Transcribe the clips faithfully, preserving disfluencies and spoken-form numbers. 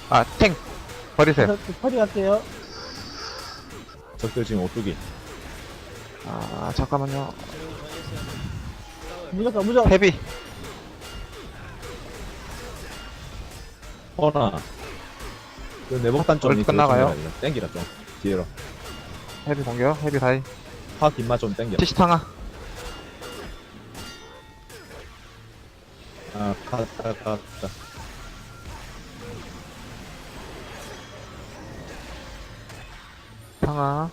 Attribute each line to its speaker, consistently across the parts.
Speaker 1: 아, 탱 버리세요.
Speaker 2: 저, 저 퍼리 갈게요.
Speaker 3: 적들 지금 오뚜기.
Speaker 1: 아, 잠깐만요.
Speaker 2: 무조건, 무조건.
Speaker 1: 헤비.
Speaker 3: 허나. 그 내복단 좀
Speaker 1: 벌써 끝나가요?
Speaker 3: 땡기라 좀. 뒤로.
Speaker 1: 헤비 공격. 헤비 다이.
Speaker 3: 화 뒷맛 좀 땡겨.
Speaker 1: 티시탕아.
Speaker 3: 아, 갔다, 갔다.
Speaker 1: 탕아.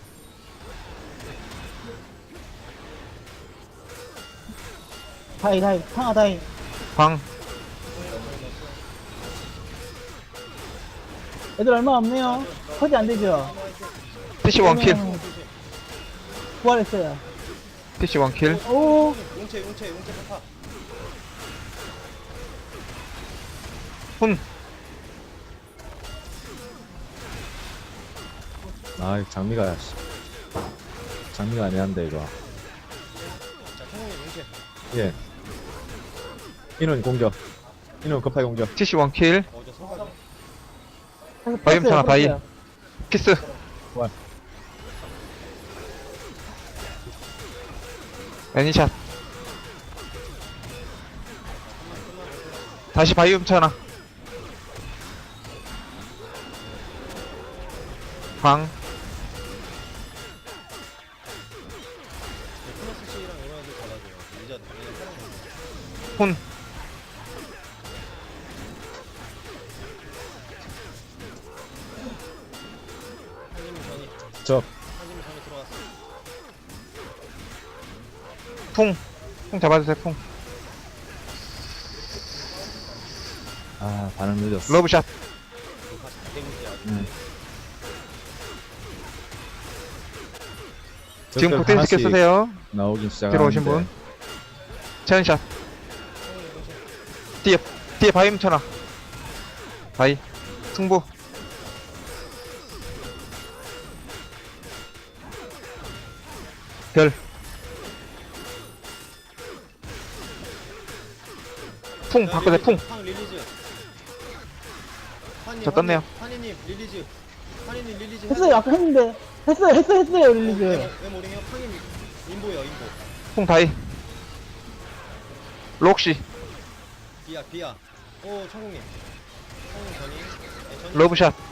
Speaker 2: 다이, 다이. 상하 다이.
Speaker 1: 광.
Speaker 2: 애들 얼마 없네요. 퍼지 안 되죠?
Speaker 1: 티시 원킬.
Speaker 2: 그러면 부활했어요.
Speaker 1: 티시 원킬.
Speaker 2: 오,
Speaker 4: 용체 용체 용체 파파.
Speaker 1: 훈.
Speaker 3: 아, 장미가, 씨. 장미가 애매한데, 이거.
Speaker 4: 자 성훈이 용체.
Speaker 3: 예. 인원 공격. 인원 급하게 공격.
Speaker 1: 티시 원킬.
Speaker 4: 어저 소각.
Speaker 1: 바이옴 상하 바이. 키스.
Speaker 3: 부활.
Speaker 1: 애니샷. 다시 바이옴 차나. 광.
Speaker 4: 플러스 C랑 이런 애들 달라져요. 이제 얘네 사람
Speaker 1: 훈.
Speaker 4: 한님이 전이
Speaker 3: 적.
Speaker 4: 한님이 전이 들어왔어.
Speaker 1: 풍. 풍 잡아주세요, 풍.
Speaker 3: 아, 반응 늦었어.
Speaker 1: 러브샷.
Speaker 4: 이거 다시 다 데미지 아주.
Speaker 3: 음.
Speaker 1: 지금
Speaker 3: 적들
Speaker 1: 극딜 스킬
Speaker 3: 하나씩
Speaker 1: 쓰세요.
Speaker 3: 나오긴 시작하는데.
Speaker 1: 뒤로 오신 분. 체온샷. 뒤에, 뒤에 바이옴 쳐놔. 바이. 승부. 별. 풍, 바꿔서 풍.
Speaker 4: 팡 릴리즈. 환님,
Speaker 1: 저 떴네요.
Speaker 4: 환희님 릴리즈. 환희님 릴리즈.
Speaker 2: 했어요. 아까 했는데. 했어요, 했어요, 했어요, 릴리즈.
Speaker 4: 왜 모르게요? 팡님 인보요 인보.
Speaker 1: 풍 다이. 록시.
Speaker 4: 비야 비야. 오 청국님. 청국님 전이. 네, 전이.
Speaker 1: 러브샷.